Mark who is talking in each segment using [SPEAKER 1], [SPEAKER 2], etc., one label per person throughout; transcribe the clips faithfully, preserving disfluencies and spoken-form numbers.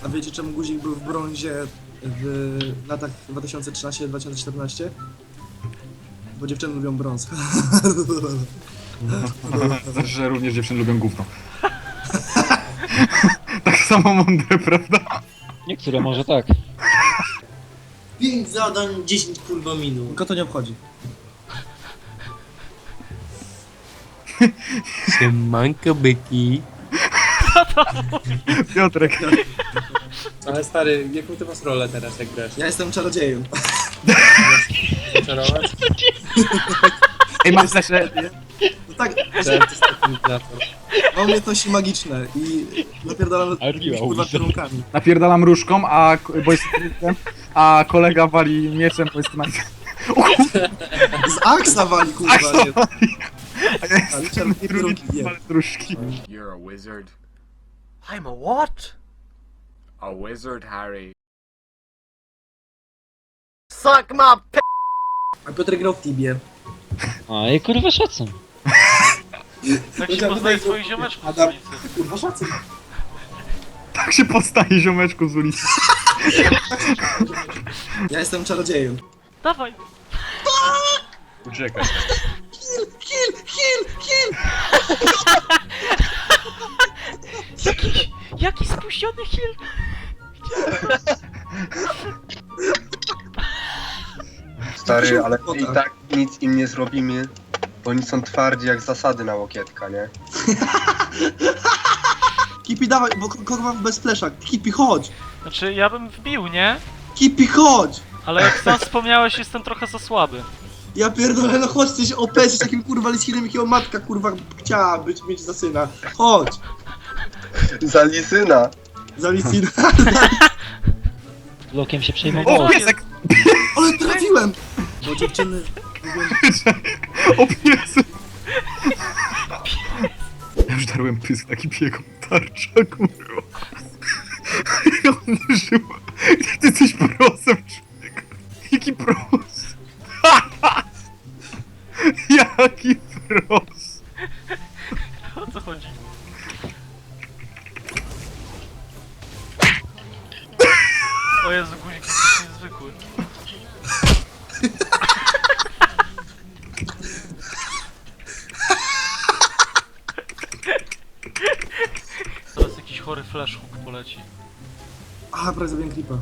[SPEAKER 1] A wiecie czemu guzik był w brązie w latach dwa tysiące trzynaście do dwa tysiące czternaście? Bo dziewczyny lubią brąz.
[SPEAKER 2] Znaczy, że również dziewczyny lubią gówno. Tak samo mądre, prawda?
[SPEAKER 3] Niektóre może tak.
[SPEAKER 4] pięć zadań, dziesięć kurwa minut.
[SPEAKER 1] Tylko to nie obchodzi.
[SPEAKER 5] Siemanko byki.
[SPEAKER 2] Piotrek.
[SPEAKER 5] Ale stary, jaką ty masz rolę teraz, jak grasz?
[SPEAKER 1] Ja jestem czarodziejem.
[SPEAKER 5] Czarować?
[SPEAKER 2] Ej, masz jeszcze...
[SPEAKER 1] No tak,
[SPEAKER 5] Czy to jest taki inflator?
[SPEAKER 1] mam umiejętności magiczne i napierdalam
[SPEAKER 3] Ale piła
[SPEAKER 1] kurwa
[SPEAKER 3] ulicy.
[SPEAKER 1] kierunkami.
[SPEAKER 2] Napierdalam różką, a... bo jest knajtem, a kolega wali mieczem, bo jest knajtem.
[SPEAKER 1] Z aksa wali kurwa,
[SPEAKER 2] Aksa
[SPEAKER 1] nie.
[SPEAKER 2] A ja
[SPEAKER 1] Ale
[SPEAKER 2] jestem
[SPEAKER 1] czerwone
[SPEAKER 2] drugi,
[SPEAKER 1] kierunki, nie.
[SPEAKER 2] ale różki.
[SPEAKER 6] You're a wizard.
[SPEAKER 7] I'm a what?
[SPEAKER 6] A wizard, Harry.
[SPEAKER 7] Suck my p-
[SPEAKER 1] A Piotr grał w Tibie.
[SPEAKER 3] A i kurwa szacun.
[SPEAKER 8] Tak się poznaje swoich ziomeczków z
[SPEAKER 1] Adam,
[SPEAKER 8] ulicy.
[SPEAKER 1] kurwa szacun.
[SPEAKER 2] Tak się postaje ziomeczku z ulicy.
[SPEAKER 1] Ja jestem czarodziejem.
[SPEAKER 8] Dawaj!
[SPEAKER 2] Uciekaj.
[SPEAKER 1] Kill, kill, kill!
[SPEAKER 8] Jakiś, jaki spuściony heal!
[SPEAKER 9] Stary, ale
[SPEAKER 1] O
[SPEAKER 9] i
[SPEAKER 1] tak.
[SPEAKER 9] tak nic im nie zrobimy, bo oni są twardzi jak zasady na łokietka, nie?
[SPEAKER 1] Kipi dawaj, bo ko- kurwa bez flesza. Kipi chodź!
[SPEAKER 8] Znaczy, ja bym wbił, nie?
[SPEAKER 1] Kipi chodź!
[SPEAKER 8] Ale jak sam wspomniałeś, jestem trochę za słaby.
[SPEAKER 1] Ja pierdolę, no chodź, jesteś O P, jesteś takim kurwa liskinem, jakiego matka kurwa chciała być, mieć za syna. Chodź!
[SPEAKER 9] Za lisyna!
[SPEAKER 1] Za lisina.
[SPEAKER 3] Blokiem się
[SPEAKER 2] O,
[SPEAKER 3] przejmowało.
[SPEAKER 2] piesek!
[SPEAKER 1] Ale trafiłem! Bo dziewczyny...
[SPEAKER 2] O, piesek! Ja już darłem pysk taki biegł tarcza, kurwa. On nie żył. Ty jesteś prosem, człowieku. Jaki pros? Jaki pros?
[SPEAKER 8] O co chodzi? O Jezu, guzik jest niezwykły. Teraz jakiś chory flash hook poleci.
[SPEAKER 1] Aha, prawie zabiłem creepa.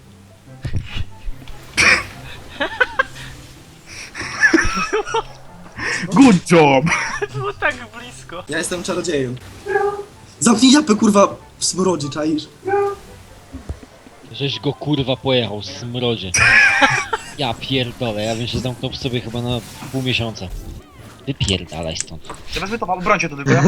[SPEAKER 2] Good job!
[SPEAKER 8] Było tak blisko.
[SPEAKER 1] Ja jestem czarodziejem. Zamknij japę kurwa w smrodzie, czaisz?
[SPEAKER 3] Żeś go kurwa pojechał, smrodzie. Ja pierdolę, ja bym się zamknął w sobie chyba na pół miesiąca. Wypierdalaj stąd.
[SPEAKER 2] Ja wezmę to, brońcie to tylko, ja?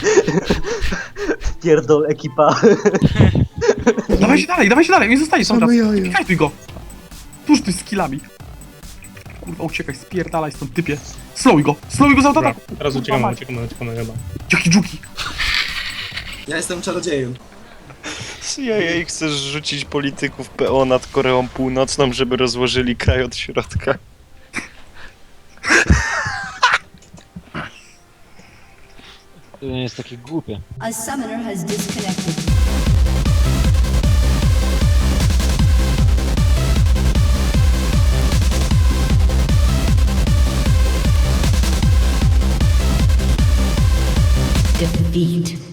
[SPEAKER 4] Pierdol ekipa.
[SPEAKER 2] Dawaj się dalej, dawaj się dalej, nie zostaje cały czas. Kajtuj go! Tuż ty z killami. Kurwa, uciekaj, spierdalaj stąd, typie. Slowuj go, slowuj go za autoataku.
[SPEAKER 5] Teraz uciekamy, uciekamy, uciekamy chyba.
[SPEAKER 2] Jaki dżuki.
[SPEAKER 1] Ja jestem czarodziejem.
[SPEAKER 10] C I A chcesz rzucić polityków P O nad Koreą Północną, żeby rozłożyli kraj od środka.
[SPEAKER 3] To nie jest takie głupie.
[SPEAKER 11] A summoner has disconnected. Defeat.